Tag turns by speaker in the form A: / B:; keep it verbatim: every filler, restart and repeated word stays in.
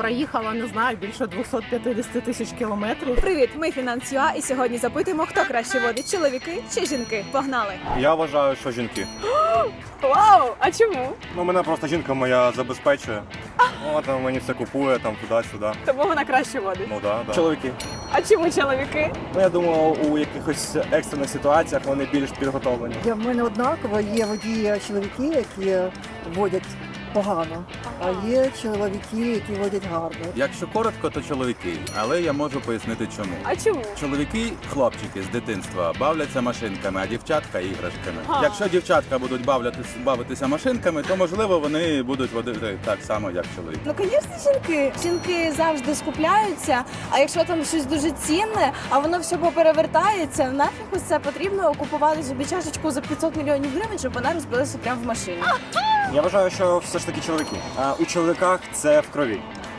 A: проїхала, не знаю, більше двісті п'ятдесят тисяч кілометрів.
B: Привіт, ми Фінанс.ЮА і сьогодні запитуємо, хто краще водить, чоловіки чи жінки. Погнали!
C: Я вважаю, що жінки.
B: Вау! А чому?
C: Ну, мене просто жінка моя забезпечує. Вона там мені все купує, там туди-сюди.
B: Тому вона краще водить.
C: Ну да, да.
D: Чоловіки.
B: А чому чоловіки?
D: Ну, я думаю, у якихось екстрених ситуаціях вони більш підготовлені.
E: Я в мене однаково, є водії чоловіки, які водять погано, а є чоловіки, які водять гарно.
F: Якщо коротко, то чоловіки, але я можу пояснити чому.
B: А чому?
F: Чоловіки, хлопчики з дитинства бавляться машинками, а дівчатка іграшками.
B: А.
F: Якщо дівчатка будуть бавлятись, бавитися машинками, то можливо вони будуть водити так само, як чоловіки.
G: Ну, звісно, жінки. Жінки завжди скупляються, а якщо там щось дуже цінне, а воно все поперевертається, нафіг ось це потрібно купувати собі чашечку за п'ятсот мільйонів гривень, щоб вона розбилася прямо в машині.
D: Я вважаю, що все ж таки чоловіки. А у чоловіках це в крові.